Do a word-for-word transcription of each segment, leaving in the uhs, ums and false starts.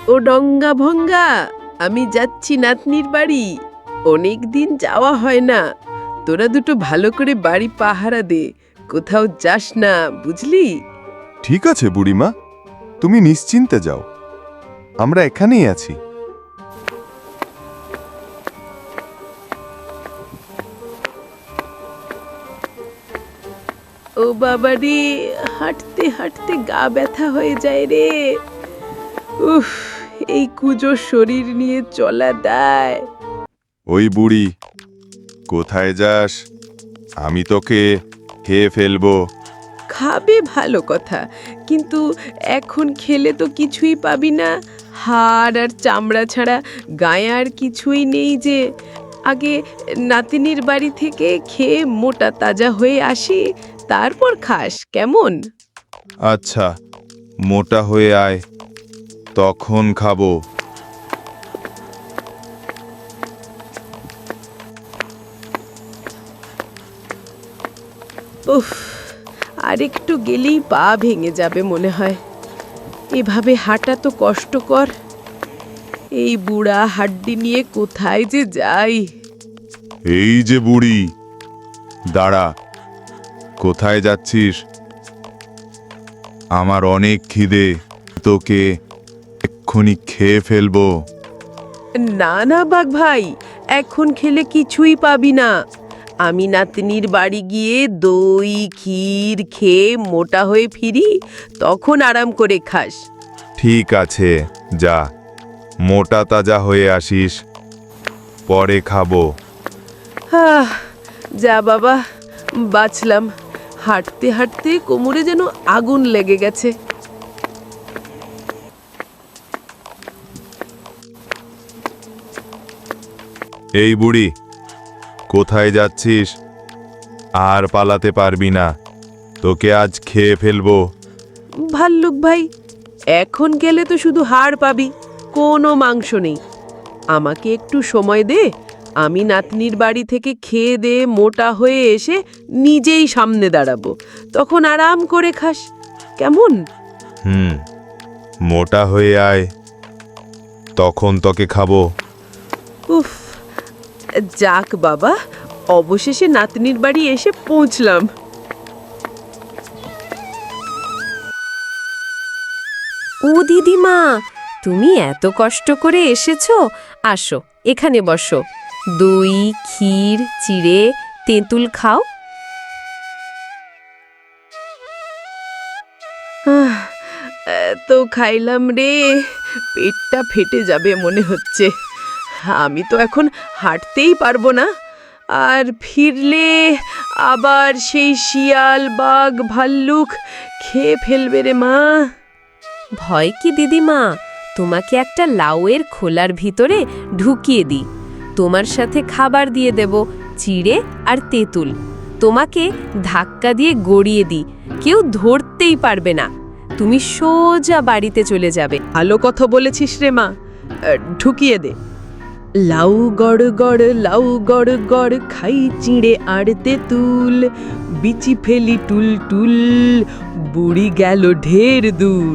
ও ডঙ্গা ভঙ্গা, আমি যাচ্ছি নাতনির বাড়ি। অনেক দিন যাওয়া হয় না। তোরা দুটো ভালো করে বাড়ি পাহারা দে, কোথাও যাস না, বুঝলি? ঠিক আছে বুড়িমা, তুমি নিশ্চিন্তে যাও, আমরা এখানেই আছি। ও বাবা রে, হাঁটতে হাঁটতে গা ব্যথা হয়ে যায় রে। উফ, এই কুজো শরীর নিয়ে চলা দায়। ওই বুড়ি, কোথায় যাস? আমি তোকে খেয়ে ফেলবো। খাবে ভালো কথা, কিন্তু এখন খেলে তো কিছুই পাবি না। হাড় আর চামড়া ছাড়া গায়ে আর কিছুই নেই যে। আগে নাতিনির বাড়ি থেকে খেয়ে মোটা তাজা হয়ে আসি, তারপর খাস, কেমন? আচ্ছা, মোটা হয়ে আয়, তখন খাবো। উফ, আর একটু গেলেই পা ভেঙে যাবে মনে হয়। এভাবে হাঁটা তো কষ্টকর। এই বুড়া হাড্ডি নিয়ে কোথায় যে যাই। এই যে বুড়ি, দাঁড়া, কোথায় যাচ্ছিস? আমার অনেক খিদে, তোকে এক্ষুনি খেয়ে ফেলবো। না না বাঘ ভাই, এখন খেলে কিছুই পাবি না। আমি নাতনির বাড়ি গিয়ে দই ক্ষীর খেয়ে মোটা হয়ে ফিরি, তখন আরাম করে খাস। ঠিক আছে, যা, মোটা তাজা হয়ে আসিস, পরে খাবো। আহ, যা বাবা, বাঁচলাম। হাঁটতে হাঁটতে কোমরে যেন আগুন লেগে গেছে। এই বুড়ি, কোথায় যাচ্ছিস? আর পালাতে পারবি না, তোকে আজ খেয়ে ফেলবো। ভাল্লুক ভাই, এখন গেলে তো শুধু হাড় পাবি, কোনো মাংস নেই। আমাকে একটু সময় দে, আমি নাতনির বাড়ি থেকে খেয়ে দে মোটা হয়ে এসে নিজেই সামনে দাঁড়াবো, তখন আরাম করে খাস, কেমন? হুম, মোটা হয়ে আয়, তখন তোকে খাবো। উফ, যাক বাবা, অবশেষে নাতনির বাড়ি এসে পৌঁছলাম। ও দিদিমা, তুমি এত কষ্ট করে এসেছো, আসো এখানে বসো। দই ক্ষীর চিড়ে তেঁতুল খাও। আহ, এত খাইলাম রে, পেটটা ফেটে যাবে মনে হচ্ছে। আমি তো এখন হাঁটতেই পারবো না, আর ফিরলে আবার সেই শিয়াল বাঘ ভাল্লুক খেয়ে ফেলবে রে মা। ভয় কি দিদিমা, তোমাকে একটা লাউয়ের খোলার ভিতরে ঢুকিয়ে দিই, তোমার সাথে খাবার দিয়ে দেব, চিড়ে আর তেঁতুল। তোমাকে ধাক্কা দিয়ে গড়িয়ে দিই, কেউ ধরতেই পারবে না, তুমি সোজা বাড়িতে চলে যাবে। ভালো কথা বলেছিস রে মা, ঢুকিয়ে দে। লাউ গড় গড় লাউ গড় গড় খাই চিড়ে আর তেঁতুল, বিচি ফেলি টুল টুল, বুড়ি গেল ঢের দূর।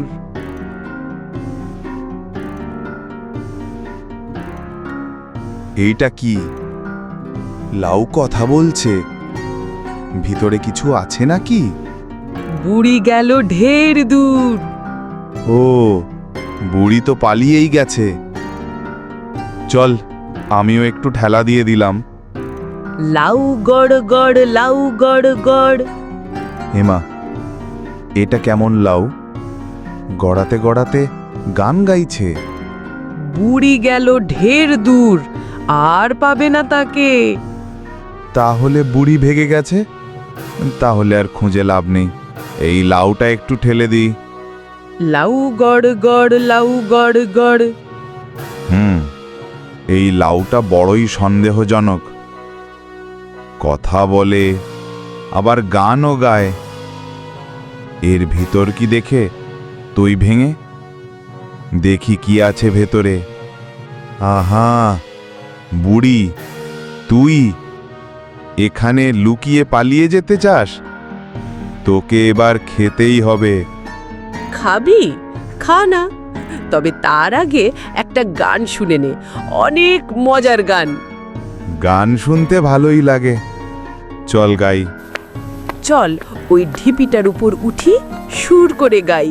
এইটা কি? লাউ কথা বলছে, ভিতরে কিছু আছে নাকি? বুড়ি গেল ঢের দূর। ও, বুড়ি তো পালিয়েই গেছে। চল, আমিও একটু ঠেলা দিয়ে দিলাম। লাউ গড় গড় লাউ গড় গড়। হেমা, এটা কেমন লাউ? গড়াতে গড়াতে গান গাইছে। বুড়ি গেল ঢের দূর, আর পাবে না তাকে। তাহলে বুড়ি ভেগে গেছে? তাহলে আর খুঁজে লাভ নেই, এই লাউটা একটু ঠেলে দিই। লাউ গড় গড় লাউ গড় গড়। হুম, এই লাউটা বড়ই সন্দেহজনক। কথা বলে, আবার গানও গায়। এর ভিতর কি দেখে তুই ভেঙে দেখি কি আছে ভেতরে। আহা, বুড়ি, তুই এখানে লুকিয়ে পালিয়ে যেতে চাস? তোকে এবার খেতেই হবে। খাবি? খা না, তবে তার আগে একটা গান শুনে নে, অনেক মজার গান। গান শুনতে ভালোই লাগে, চল গাই। চল ওই ঢিপিটার উপর উঠি, সুর করে গাই।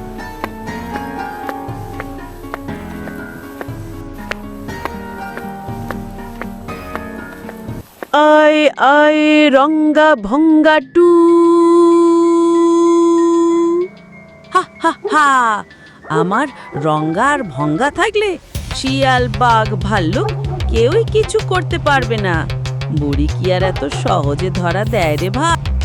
আয় আয় রঙ্গা ভঙ্গা টু, হা হা হা, আমার রঙ্গা আর ভঙ্গা থাকলে শিয়াল বাঘ ভাল্লুক কেউই কিছু করতে পারবে না। বুড়ি কি আর এত সহজে ধরা দেয় রে ভাই?